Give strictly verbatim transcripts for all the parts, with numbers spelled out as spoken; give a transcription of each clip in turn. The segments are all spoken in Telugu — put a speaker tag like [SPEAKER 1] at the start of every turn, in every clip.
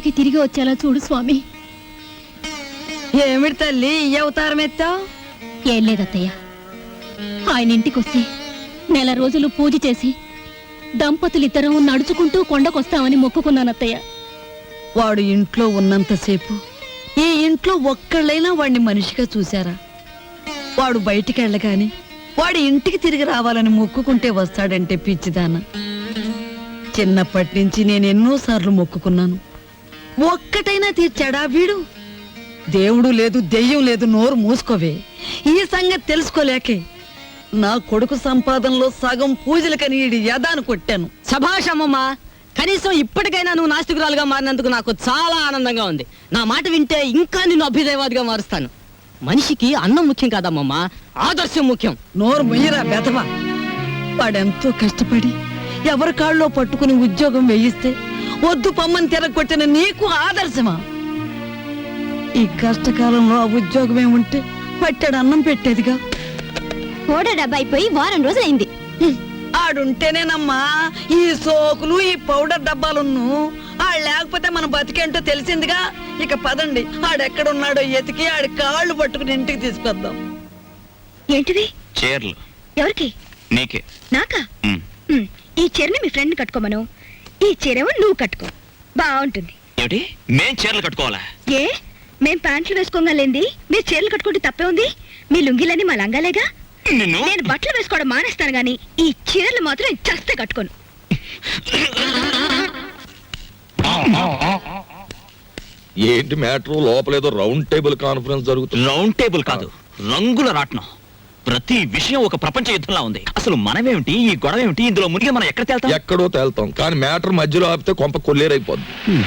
[SPEAKER 1] ఇంటికి తిరిగి వచ్చేలా చూడు స్వామి.
[SPEAKER 2] ఏమిటి తల్లి ఈ అవతారం ఎత్తావు?
[SPEAKER 1] ఏం లేదత్తయ్య, ఆయన ఇంటికొస్తే నెల రోజులు పూజ చేసి దంపతులిద్దరం నడుచుకుంటూ కొండకొస్తామని మొక్కుకున్నానత్తయ్య.
[SPEAKER 2] వాడు ఇంట్లో ఉన్నంతసేపు ఈ ఇంట్లో ఒక్కళ్ళైనా వాడిని మనిషిగా చూశారా? వాడు బయటికి వెళ్ళగాని వాడి ఇంటికి తిరిగి రావాలని మొక్కుకుంటే వస్తాడంటే పిచ్చిదాన. చిన్నప్పటి నుంచి నేను ఎన్నోసార్లు మొక్కుకున్నాను, ఒక్కటైనా తీర్చాడా వీడు? దేవుడు లేదు దెయ్యం లేదు, నోరు మూసుకోవే. ఈ సంగతి తెలుసుకోలేకే నా కొడుకు సంపాదనలో సగం పూజలకని ఈడి యదాను కొట్టాను.
[SPEAKER 3] శభాషమ్మమ్మా, కనీసం ఇప్పటికైనా నువ్వు నాస్తికురాలుగా మారినందుకు నాకు చాలా ఆనందంగా ఉంది. నా మాట వింటే ఇంకా నిన్ను అభ్యుదయవాదిగా మారుస్తాను. మనిషికి అన్నం ముఖ్యం కాదమ్మమ్మా, ఆదర్శం ముఖ్యం.
[SPEAKER 2] నోరు మొయ్యరా బెదవా. వాడెంతో కష్టపడి ఎవరి కాళ్ళలో పట్టుకుని ఉద్యోగం వేయిస్తే వద్దు పమ్మని తిరగొట్టిన నీకు ఆదర్శమా? ఈ కష్టకాలంలో ఆ ఉద్యోగమే ఉంటే పట్టాడు అన్నం పెట్టేదిగా.
[SPEAKER 1] ఓడ డబ్బాయిపోయి వారం రోజులైంది.
[SPEAKER 2] ఆడుంటేనేనమ్మా ఈ సోకులు ఈ పౌడర్ డబ్బాలున్ను. ఆడు లేకపోతే మన బతికేంటో తెలిసిందిగా. ఇక పదండి, ఆడెక్కడున్నాడో ఎతికి ఆడి కాళ్ళు పట్టుకుని ఇంటికి తీసుకొద్దాం.
[SPEAKER 4] ఏంటిది?
[SPEAKER 5] చీరలు.
[SPEAKER 4] ఎవరికి?
[SPEAKER 5] నీకే.
[SPEAKER 4] నాకా? ఈ చీరని మీ ఫ్రెండ్ కట్టుకోమను, ఈ చీరేమో నువ్వు కట్టుకో, బాగుంటుంది.
[SPEAKER 5] ఏమిటి, మేం చీరలు కట్టుకోవాలా?
[SPEAKER 4] ఏ, మేం ప్యాంట్లు వేసుకోగలేంది మీరు చీరలు కట్టుకుంటే తప్పే ఉంది? మీ లుంగిలని మా లంగాలేగా. నేను బట్టలు వేసుకోవడం మానేస్తాను గాని ఈ చీరలు మాత్రం చస్తే కట్టుకోను.
[SPEAKER 6] ఏంటి మ్యాటర్? లోపలేదో రౌండ్ టేబుల్ కాన్ఫరెన్స్ జరుగుతుంది.
[SPEAKER 5] రౌండ్ టేబుల్ కాదు, రంగుల రాట్నం. ప్రతి విషయం ఒక ప్రపంచ యుద్ధంలా ఉంది. అసలు మనమేమిటి, ఈ గొడవ ఏమిటి, ఇందులో మునిగి మనం ఎక్కడ తేల్తాం?
[SPEAKER 6] ఎక్కడో తేల్తాం, కానీ మ్యాటర్ మధ్యలో ఆపితే కొంప కొల్లేరైపోద్ది.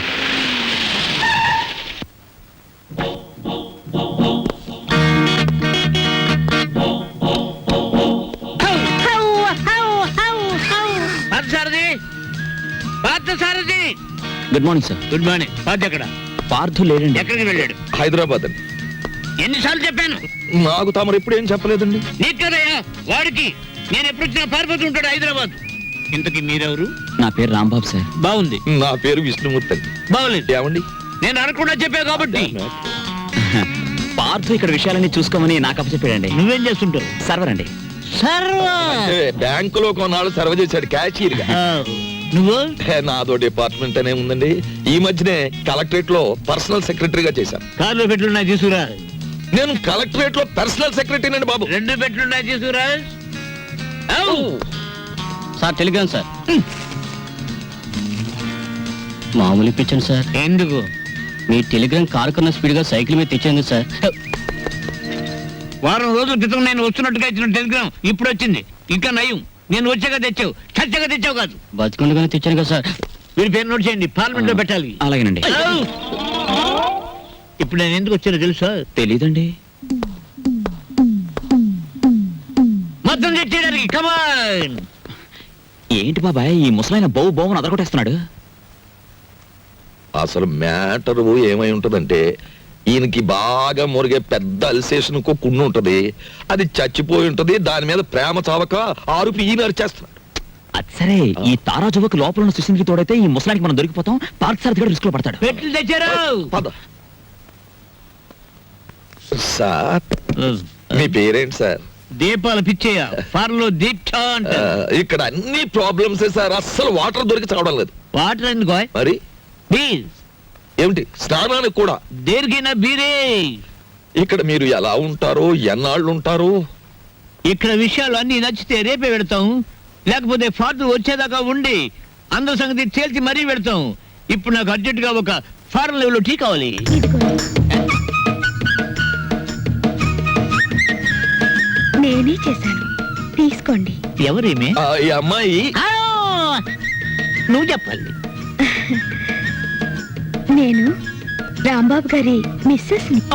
[SPEAKER 5] Good morning sir.
[SPEAKER 3] Good morning. Parth ఎక్కడ?
[SPEAKER 5] పార్థు లేడండి.
[SPEAKER 3] ఎక్కడికి వెళ్ళాడు?
[SPEAKER 6] హైదరాబాద్ అండి.
[SPEAKER 3] ఎన్నిసార్లు చెప్పాను?
[SPEAKER 6] నాకు తమరు ఎప్పుడు ఏం చెప్పలేదండి.
[SPEAKER 3] నీకు కదయ్యా, వాడికి. నేను ఎప్పుడు వచ్చినా పారిపోతూ ఉంటాడు హైదరాబాద్. ఇంతకీ మీరెవరు?
[SPEAKER 5] నా పేరు రాంబాబు సార్.
[SPEAKER 3] బాగుంది.
[SPEAKER 6] నా పేరు విష్ణుమూర్తి అండి.
[SPEAKER 3] బాగులేదు.
[SPEAKER 6] ఏమండి,
[SPEAKER 3] నేను అనకుండా చెప్పా కాబట్టి.
[SPEAKER 5] పార్థు ఇక్కడ విషయాలన్నీ చూసుకోమని నాకు అప్పచెప్పాడండి.
[SPEAKER 3] నువ్వేం చేస్తుంటావు?
[SPEAKER 5] సర్వర్ అండి.
[SPEAKER 6] బ్యాంకులో కొన్నాళ్ళు సర్వ చేశాడు క్యాషియర్ గా.
[SPEAKER 3] నువ్వు?
[SPEAKER 6] నాదో డిపార్ట్మెంట్ అనే ఉందండి. ఈ మధ్యనే కలెక్టరేట్ లో పర్సనల్ సెక్రటరీగా చేశాను.
[SPEAKER 3] కార్లో పెట్లున్నాయి తీసుకురా.
[SPEAKER 6] నేను కలెక్టరేట్ లో పర్సనల్ సెక్రటరీ అండి బాబు.
[SPEAKER 3] రెండు పెట్లున్నాయి తీసుకురా.
[SPEAKER 5] Sir telegram sir. మామూలు ఇప్పించండి సార్.
[SPEAKER 3] ఎందుకు?
[SPEAKER 5] మీ టెలిగ్రామ్ కారు కన్నా స్పీడ్ గా సైకిల్ మీద తెచ్చేందు సార్.
[SPEAKER 3] వారం రోజుల క్రితం నేను వస్తున్నట్టుగా ఇచ్చిన టెలిగ్రామ్ ఇప్పుడు వచ్చింది. ఇంకా నయం, నేను వచ్చాక తెచ్చావు, చచ్చాక తెచ్చావు కాదు.
[SPEAKER 5] బతికుండగానే తెచ్చాను కదా సార్.
[SPEAKER 3] వీడి పేరు నోట్ చేయండి, పార్లమెంట్ లో పెట్టాలి.
[SPEAKER 5] అలాగేనండి.
[SPEAKER 3] ఇప్పుడు నేను ఎందుకు వచ్చానో తెలుసా?
[SPEAKER 5] తెలీదండి.
[SPEAKER 3] మొత్తం తెచ్చేయడానికి. కమాన్.
[SPEAKER 5] ఏంటి బాబాయ్ ఈ ముసలైన బౌ బౌని అదరగొట్టేస్తున్నాడు?
[SPEAKER 6] అసలు మ్యాటర్ ఏమై ఉంటదంటే, ఈయనకి బాగా మురిగే పెద్ద అల్సేషన్ కుండు ఉంటది. అది చచ్చిపోయి ఉంటది. దాని మీద ప్రేమ చావక ఆరుపి ఈయన అరిచేస్తున్నాడు.
[SPEAKER 5] అది సరే, ఈ తారా జువకు లోపల ఉన్న సుశీల్కి తోడైతే ఈ ముసలానికి మనం దొరికిపోతాం. పార్క్ సార్ దగ్గర రిస్క్ లో పడతాడు.
[SPEAKER 3] పెట్లు తెచ్చారు.
[SPEAKER 6] పద సార్. మీ పేరేంటి సార్?
[SPEAKER 3] దీపాలు పిచ్చేయ. ఫార్లో దీక్ష అంటారు.
[SPEAKER 6] ఇక్కడ అన్ని ప్రాబ్లమ్స్ సార్. అస్సలు వాటర్ దొరికి చావడం లేదు.
[SPEAKER 3] వాటర్ ఎందుకో?
[SPEAKER 6] మరి
[SPEAKER 3] ప్లీజ్.
[SPEAKER 6] ఏమిటి, స్నానానికి కూడా?
[SPEAKER 3] దేనికైనా బీరే.
[SPEAKER 6] ఇక్కడ మీరు ఎలా ఉంటారు, ఎన్నాళ్ళు ఉంటారు?
[SPEAKER 3] ఇక్కడ విషయాలు అన్ని నచ్చితే రేపే పెడతాం, లేకపోతే ఫార్లు వచ్చేదాకా ఉండి అందరి సంగతి తేల్చి మరీ పెడతాం. ఇప్పుడు నాకు అర్జెంట్ గా ఒక ఫారెన్ లెవెల్ టీ కావాలి.
[SPEAKER 4] నేనే చేశాను, తీసుకోండి.
[SPEAKER 3] ఎవరేమే?
[SPEAKER 6] ఈ అమ్మాయి.
[SPEAKER 3] నువ్వు చెప్పాలి.
[SPEAKER 4] నేను రాంబాబు గారి మిస్సెస్ ని.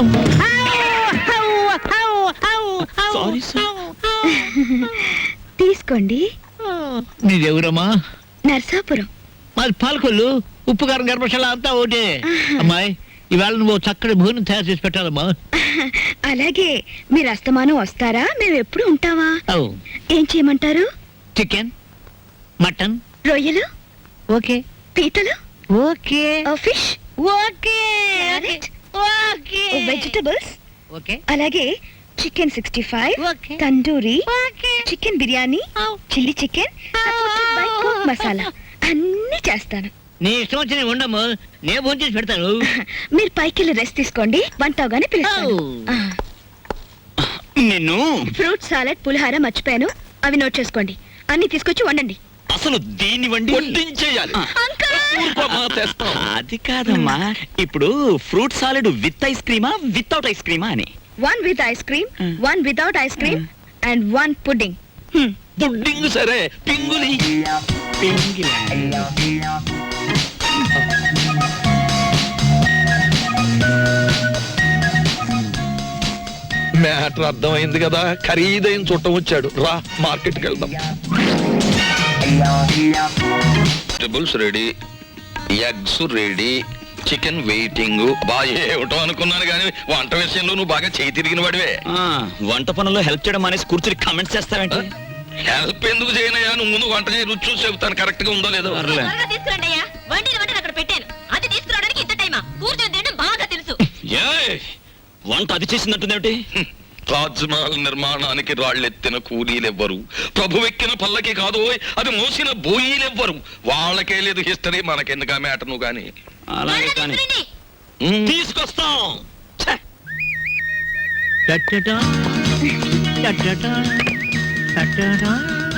[SPEAKER 4] తీసుకోండి.
[SPEAKER 3] నీదెవరమ్మా?
[SPEAKER 4] నర్సాపురం.
[SPEAKER 3] మాది పాలకొల్లు. ఉప్పు కారం గర్భశాల అంతా ఒకటే. అమ్మాయి, ఇవాళ నువ్వు చక్కటి భోజనం తయారు చేసి పెట్టాలమ్మా.
[SPEAKER 4] అలాగే. మీరు అస్తమానం వస్తారా? మేము ఎప్పుడు ఉంటావా? ఏం చేయమంటారు?
[SPEAKER 3] చికెన్, మటన్,
[SPEAKER 4] రొయ్యలు,
[SPEAKER 3] ఓకే.
[SPEAKER 4] పీతలు,
[SPEAKER 3] okay.
[SPEAKER 4] Fish, okay vegetables
[SPEAKER 3] okay
[SPEAKER 4] అలాగే chicken sixty five
[SPEAKER 3] Okay.
[SPEAKER 4] Tandoori chicken biryani chilli chicken masala అన్ని చేస్తాను.
[SPEAKER 3] నీ ఇష్టం వచ్చిన ఉండము నేను ఫోన్ చేసి పెడతాను.
[SPEAKER 4] మీరు పైకి వెళ్ళి రెస్ట్ తీసుకోండి, వంట అవగానే పిలుస్తాను.
[SPEAKER 3] Oh.
[SPEAKER 4] ఆ,
[SPEAKER 5] నిన్ను
[SPEAKER 4] ఫ్రూట్ సాలెడ్ పులిహార మర్చిపోయాను, అవి నోట్ చేసుకోండి. అన్ని తీసుకొచ్చి వండండి.
[SPEAKER 5] అసలు దీన్ని వండి
[SPEAKER 6] వడ్డించేయాలి. ఊరుకోమ్మా, తెస్తాం.
[SPEAKER 5] అది కాదమ్మా, ఇప్పుడు ఫ్రూట్ సాలెడ్ విత్ ఐస్ క్రీమా వితౌట్ ఐస్ క్రీమా అని.
[SPEAKER 4] One with ice cream,
[SPEAKER 5] Mm.
[SPEAKER 4] One without ice cream and one pudding.
[SPEAKER 6] Pudding సరే, పింగులి. మ్యాటర్ అర్థమైంది కదా, ఖరీదైన చుట్టం వచ్చాడు. రా మార్కెట్కి వెళ్దాం. Vegetables ready, eggs ready, chicken waiting. బాగా ఏమిటో అనుకున్నాను కానీ వంట విషయంలో నువ్వు బాగా చేయి తిరిగిన వాడివే.
[SPEAKER 5] ఆ, వంట పనుల్లో హెల్ప్ చేయడం అనేసి కూర్చుని కామెంట్స్ చేస్తావేంటి?
[SPEAKER 6] హెల్ప్ ఎందుకు చేయనయ్యా, నువ్వు ముందు వంట చేయి, రుచి చూసి చెబుతాను కరెక్ట్ గా ఉందో లేదో.
[SPEAKER 5] పర్లే.
[SPEAKER 1] తీసుకురండి అయ్యా, వండిన వంటను అక్కడ పెట్టాను. అది తీసుకురావడానికి ఇంత టైమా? కూర్చొని తినడం బాగా తెలుసు.
[SPEAKER 5] ఏయ్, వంట అది చేసిందంటుందేమిటి?
[SPEAKER 6] తాజ్ మహల్ నిర్మాణానికి రాళ్ళెత్తిన కూలీలెవ్వరు, ప్రభువెక్కిన పల్లకి కాదు, అది మోసిన బోయీలెవ్వరు. వాళ్ళకే లేదు హిస్టరీ, మనకెందుకు ఆ మ్యాటర్ నువ్వు కానీ.
[SPEAKER 5] అలాగే కానీ
[SPEAKER 1] తీసుకురండి.
[SPEAKER 6] ఉమ్.
[SPEAKER 5] తీసుకొస్తాం. ఛే!
[SPEAKER 7] టట్టటా, టట్టటా, టట్టటా.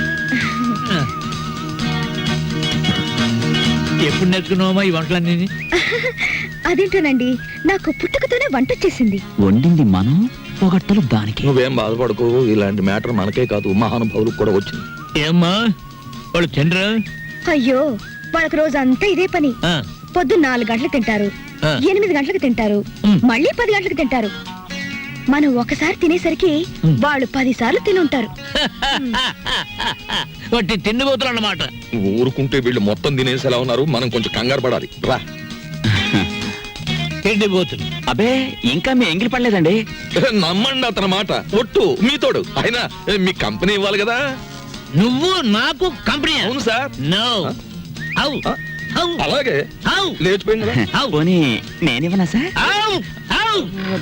[SPEAKER 7] ఎప్పుడు నేర్చుకున్నావమ్మా ఈ వంటలన్నీ?
[SPEAKER 4] అదేంటోనండి, నాకు పుట్టుకతోనే వంట వచ్చేసింది.
[SPEAKER 5] వండింది మనం, పొగట్టలు దానికి.
[SPEAKER 6] నువ్వేం బాధపడకు, ఇలాంటి మ్యాటర్ మనకే కాదు మహానుభావులకు కూడా వచ్చింది.
[SPEAKER 7] ఏమ్మా వాళ్ళు తినరా?
[SPEAKER 4] అయ్యో, వాళ్ళకి రోజు అంతా ఇదే పని.
[SPEAKER 7] ఆ,
[SPEAKER 4] పొద్దున్న నాలుగు గంటలకు తింటారు,
[SPEAKER 7] ఆ.
[SPEAKER 4] ఎనిమిది గంటలకు తింటారు,
[SPEAKER 7] ఉమ్.
[SPEAKER 4] మళ్ళీ పది గంటలకు తింటారు. మనం ఒకసారి తినేసరికి
[SPEAKER 7] ఉమ్.
[SPEAKER 4] వాళ్ళు పది సార్లు తినుంటారు.
[SPEAKER 7] వాటి తిండిపోతులు అన్నమాట.
[SPEAKER 6] నువ్వు ఊరుకుంటే వీళ్ళు మొత్తం తినేసేలా ఉన్నారు, మనం కొంచెం కంగారు పడాలి. రా.
[SPEAKER 7] తిండిపోతులు.
[SPEAKER 5] అబే, ఇంకా మీ ఎంగిలి పడలేదండి.
[SPEAKER 6] నమ్మండి అతని మాట, ఒట్టు మీతోడు. అయినా మీ కంపెనీ ఇవ్వాలి కదా.
[SPEAKER 7] నువ్వు నాకు కంపెనీ?
[SPEAKER 6] అవును సార్.
[SPEAKER 7] నో. హౌ
[SPEAKER 6] ఆ?
[SPEAKER 7] హౌ
[SPEAKER 6] అలాగే
[SPEAKER 7] హౌ
[SPEAKER 6] లేచిపోయింది కదా.
[SPEAKER 7] హౌ
[SPEAKER 5] పోనీ నేనివ్వనా సార్?
[SPEAKER 7] How how